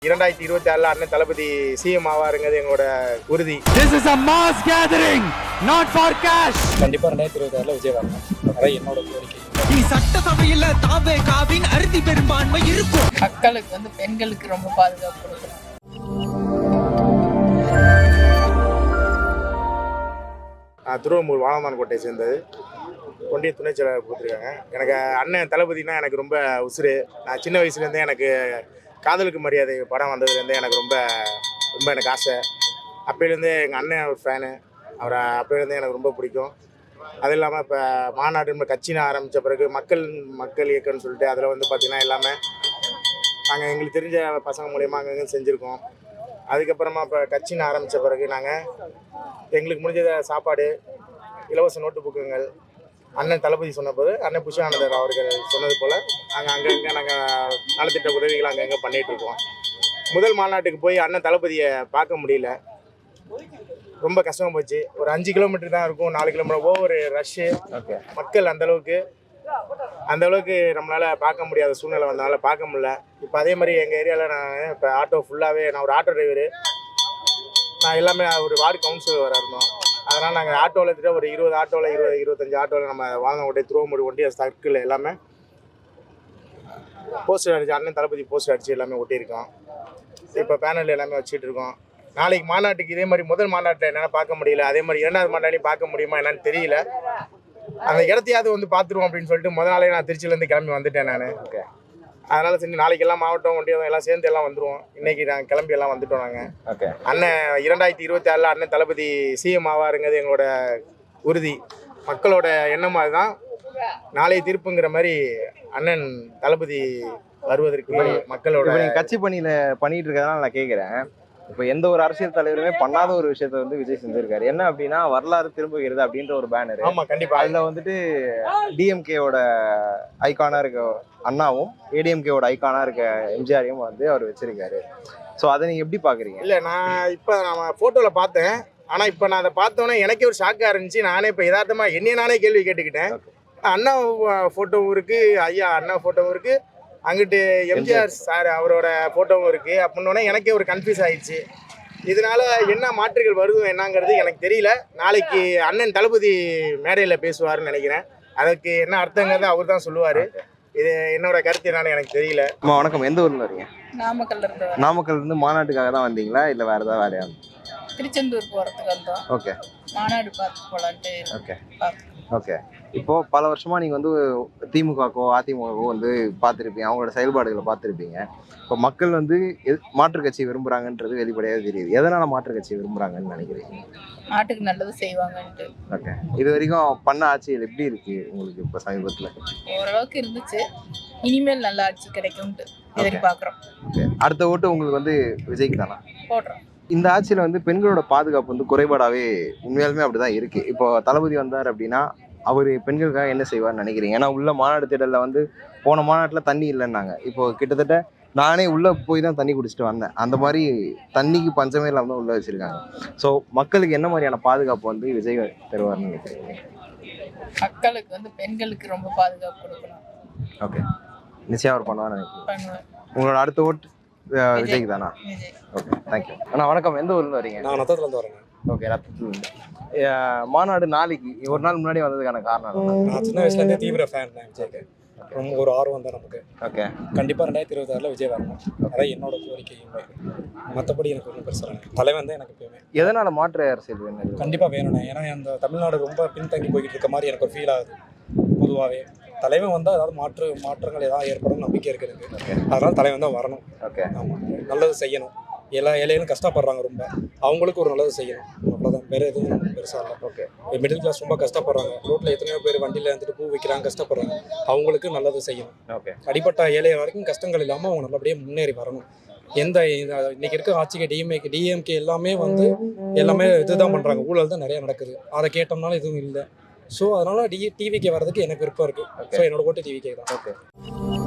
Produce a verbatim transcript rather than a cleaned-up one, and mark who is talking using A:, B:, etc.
A: இரண்டாயிரத்தி இருபத்தி ஆறுல அண்ணன் தளபதி சிஎம் ஆவாருங்கிறது எங்களோட உறுதி.
B: This is a mass gathering, not for cash.
C: கண்டிப்பா ரெண்டாயிரத்தி இருபத்தி ஆறுல விஜய் வரணும். அதான் என்னோட கோரிக்கை.
D: நீ சட்டசபையில தாவே காவின் அறுதி பெரும்பான்மை இருக்கும்.
E: மக்களுக்கு வந்து பெண்களுக்கு ரொம்ப பாதுகாப்பு கொடுக்கணும்.
A: திருவம்பூர் வாழமான் கோட்டையை சேர்ந்தது ஒன்றிய துணை செயலாளர் கொடுத்துருக்காங்க. எனக்கு அண்ணன் தளபதினா எனக்கு ரொம்ப உசுறு. நான் சின்ன வயசுலேருந்தே எனக்கு காதலுக்கு மரியாதை படம் வந்ததுலேருந்தே எனக்கு ரொம்ப ரொம்ப எனக்கு ஆசை. அப்போலேருந்தே எங்கள் அண்ணன் ஒரு ஃபேனு. அவரை அப்போலேருந்தே எனக்கு ரொம்ப பிடிக்கும். அது இல்லாமல் இப்போ மாநாடு கட்சின்னு ஆரம்பித்த பிறகு மக்கள் மக்கள் இயக்கம்னு சொல்லிட்டு அதில் வந்து பார்த்திங்கன்னா எல்லாமே நாங்கள் எங்களுக்கு தெரிஞ்ச பசங்க மூலயமா அங்கங்கே செஞ்சுருக்கோம். அதுக்கப்புறமா இப்போ கட்சின்னு ஆரம்பித்த பிறகு நாங்கள் எங்களுக்கு முடிஞ்ச சாப்பாடு, இலவச நோட்டு புக்குங்கள் அண்ணன் தளபதி சொன்னபோது அண்ணன் புஷானந்தர் அவர்கள் சொன்னது போல் நாங்கள் அங்கங்கே நாங்கள் நலத்திட்ட உதவிகள் அங்கங்கே பண்ணிகிட்ருக்கோம். முதல் மாநாட்டுக்கு போய் அண்ணன் தளபதியை பார்க்க முடியல, ரொம்ப கஷ்டமாக போச்சு. ஒரு அஞ்சு கிலோமீட்டர் தான் இருக்கும், நாலு கிலோமீட்டர் ஒவ்வொரு ரஷ்ஷு. மக்கள் அந்தளவுக்கு அந்தளவுக்கு நம்மளால் பார்க்க முடியாத சூழ்நிலை வந்தனால பார்க்க முடியல. இப்போ அதே மாதிரி எங்கள் ஏரியாவில் நான் இப்போ ஆட்டோ ஃபுல்லாகவே, நான் ஒரு ஆட்டோ டிரைவரு, நான் எல்லாமே ஒரு வார்டு கவுன்சிலர் வர இருந்தோம். அதனால் நாங்கள் ஆட்டோவில் எடுத்துகிட்டு ஒரு இருபது ஆட்டோவில் இருபது இருபத்தஞ்சி ஆட்டோவில் நம்ம வாழங்கோட்டை திருவம்பூர் ஒன்றிய சர்க்கிள் எல்லாமே போஸ்டர் அடிச்சு அண்ணன் தளபதி போஸ்டர் அடித்து எல்லாமே ஒட்டியிருக்கோம். இப்போ பேனல் எல்லாமே வச்சுட்டு இருக்கோம். நாளைக்கு மாநாட்டுக்கு இதே மாதிரி முதல் மாநாட்டில் என்னால் பார்க்க முடியல, அதே மாதிரி இரண்டாவது மாநாட்டையும் பார்க்க முடியுமா என்னன்னு தெரியல. அந்த இடத்தையாவது வந்து பார்த்துருவோம் அப்படின்னு சொல்லிட்டு முதல் நாளே நான் திருச்சியிலேருந்து கிளம்பி வந்துட்டேன் நான். ஓகே, அதனால் சரி நாளைக்கு எல்லாம் மாவட்டம் ஒன்றியம் எல்லாம் சேர்ந்து எல்லாம் வந்துடுவோம். இன்றைக்கி நாங்கள் கிளம்பி எல்லாம் வந்துட்டோம் நாங்கள். ஓகே, அண்ணன் இரண்டாயிரத்தி இருபத்தி ஆறில் அண்ணன் தளபதி சிஎம் ஆவாருங்கிறது எங்களோட உறுதி. மக்களோட எண்ணம் அதுதான். நாளைய தீர்ப்புங்கிற மாதிரி அண்ணன் தளபதி வருவதற்கு மக்களோட
F: கட்சி பணியில் பண்ணிட்டு இருக்கிறதுனால நான் கேட்குறேன். இப்போ எந்த ஒரு அரசியல் தலைவருமே பண்ணாத ஒரு விஷயத்த வந்து விஜய் செஞ்சிருக்காரு. என்ன அப்படின்னா வரலாறு திரும்புகிறது அப்படின்ற ஒரு பேனர்.
A: ஆமாம், கண்டிப்பாக.
F: அதில் வந்துட்டு டிஎம்கேவோட ஐக்கானாக இருக்க அண்ணாவும் ஏடிஎம்கேவோட ஐக்கானாக இருக்க எம்ஜிஆரையும் வந்து அவர் வச்சிருக்காரு. ஸோ அதை நீங்கள் எப்படி பார்க்குறீங்க?
A: இல்லை, நான் இப்போ நான் ஃபோட்டோவில் பார்த்தேன். ஆனால் இப்போ நான் அதை பார்த்தோன்னே எனக்கே ஒரு ஷாக்காக இருந்துச்சு. நானே இப்போ யதார்த்தமாக என்னைய நானே கேள்வி கேட்டுக்கிட்டேன். அண்ணா ஃபோட்டோவும் இருக்குது, ஐயா அண்ணா ஃபோட்டோவும் இருக்குது, அங்கிட்டு எம்ஜிஆர் சார் அவரோட ஃபோட்டோவும் இருக்குது. அப்படின்னோடனே எனக்கே ஒரு கன்ஃபியூஸ் ஆகிடுச்சு. இதனால் என்ன மாற்றுகள் வருதும் என்னங்கிறது எனக்கு தெரியல. நாளைக்கு அண்ணன் தளபதி மேடையில் பேசுவார்னு நினைக்கிறேன். அதுக்கு என்ன அர்த்தங்கிறத அவர் தான் சொல்லுவார். இது என்னோட கருத்து என்னன்னு எனக்கு தெரியல.
F: அம்மா வணக்கம், எந்த ஊரில் வரீங்க?
E: நாமக்கல்ல இருந்து.
F: நாமக்கல் இருந்து மாநாட்டுக்காக தான் வந்தீங்களா இல்லை வேறு ஏதாவது வேலையா?
E: திருச்செந்தூர் போகிறதுக்கு வந்தோம்.
F: ஓகே,
E: மாநாடு பார்த்து போகலான்ட்டு.
F: ஓகே ஓகே இப்போ பல வருஷமா நீங்க வந்து திமுகவோ அதிமுகவோ வந்து பார்த்துருப்பீங்க, அவங்களோட செயல்பாடுகளை பார்த்துருப்பீங்க. இப்போ மக்கள் வந்து மாற்று கட்சி விரும்புறாங்கன்றது வெளிப்படையாக தெரியுது. எதனால மாற்று கட்சி விரும்புறாங்கன்னு நினைக்கிறீங்க?
E: நாட்டுக்கு நல்லது செய்வாங்கன்ட்டு.
F: ஓகே, இது வரைக்கும் பண்ண ஆட்சிகள் எப்படி இருக்கு உங்களுக்கு? இப்போ சமீபத்தில்
E: ஓரளவுக்கு இருந்துச்சு, இனிமேல் நல்ல ஆட்சி கிடைக்கும்ட்டு எதிர்பார்க்குறோம்.
F: ஓகே, அடுத்த ஓட்டு உங்களுக்கு வந்து விஜய்க்கு தானா
E: போடுறோம்? இந்த
F: ஆட்சியில் வந்து பெண்களோட பாதுகாப்பு வந்து குறைபாடாகவே உண்மையாலுமே அப்படிதான் இருக்கு. இப்போ தளபதி வந்தார் அப்படின்னா அவர் பெண்களுக்காக என்ன செய்வார்னு நினைக்கிறீங்க? ஏன்னா உள்ள மாநாடு திடலில் வந்து போன மாநாட்டில் தண்ணி இல்லைன்னாங்க. இப்போ கிட்டத்தட்ட நானே உள்ளே போய் தான் தண்ணி குடிச்சிட்டு வந்தேன். அந்த மாதிரி தண்ணிக்கு பஞ்சமே இல்லாமல் தான் உள்ளே வச்சுருக்காங்க. ஸோ மக்களுக்கு என்ன மாதிரியான பாதுகாப்பு வந்து விஜய் தருவார்னு நினைக்கிறீங்க?
E: மக்களுக்கு வந்து பெண்களுக்கு ரொம்ப பாதுகாப்பு கொடுக்கணும்.
F: ஓகே, நிச்சயம் அவர் பண்ணுவார்னு நினைக்கிறேன்.
E: பண்ணுவேன்.
F: உங்களோட அடுத்த ஓட்டு விஜய்க்கு தானா? Okay, thank you. அண்ணா வணக்கம், எந்த ஊர்ல வரீங்க?
C: நான் ரத்தத்துலேருந்து வரேங்க.
F: ஓகே, ரத்தத்துலேருந்து. மாநாடு நாளைக்கு ஒரு நாள் முன்னாடி வந்ததுக்கான காரணம்?
C: நான் சின்ன வயசுலேருந்தே தீவிர ஃபேன் தான் விஜய்க்கு. ரொம்ப ஒரு ஆர்வம் தான் நமக்கு.
F: ஓகே,
C: கண்டிப்பாக ரெண்டாயிரத்தி இருபத்தி ஆறில் விஜய் வரணும். அதான் என்னோட கோரிக்கையுமே. மற்றபடி எனக்கு ஒன்றும் பெருசாக தலைவன் தான் எனக்கு எப்பயுமே.
F: எதனால மாற்று அரசியல் வேணும்?
C: கண்டிப்பாக வேணும்ண்ணே. ஏன்னா அந்த தமிழ்நாடு ரொம்ப பின்தங்கி போய்கிட்டு இருக்க மாதிரி எனக்கு ஒரு ஃபீல் ஆகுது. பொதுவாகவே தலைவன் வந்தால் அதாவது மாற்று மாற்றங்கள் ஏதாவது ஏற்படும் நம்பிக்கை இருக்குது. அதனால் தலைவன் தான் வரணும்.
F: ஓகே,
C: ஆமாம், நல்லது செய்யணும். எல்லா ஏழைகளும் கஷ்டப்படுறாங்க, ரொம்ப அவங்களுக்கு ஒரு நல்லது செய்யணும். அவ்வளோதான், வேறு எதுவும் நமக்கு பெருசாக இல்லை.
F: ஓகே,
C: மிடில் கிளாஸ் ரொம்ப கஷ்டப்படுறாங்க. ரோட்டில் எத்தனையோ பேர் வண்டியில் வந்துட்டு பூ விற்கிறாங்க, கஷ்டப்படுறாங்க. அவங்களுக்கு நல்லது செய்யணும். ஓகே, அடிப்பட்ட ஏழை வரைக்கும் கஷ்டங்கள் இல்லாமல் அவங்க நல்லபடியாக முன்னேறி வரணும். எந்த இன்னைக்கு இருக்க ஆட்சிக்கு டிஎம்ஏ டிஎம்கே எல்லாமே வந்து எல்லாமே இதுதான் பண்ணுறாங்க, ஊழல் தான் நிறையா நடக்குது. அதை கேட்டோம்னாலும் எதுவும் இல்லை. ஸோ அதனால் டி டிவிக்கே வர்றதுக்கு எனக்கு விருப்பம் இருக்குது. ஸோ என்னோட ஓட்டு டிவிக்கே தான்.
F: ஓகே.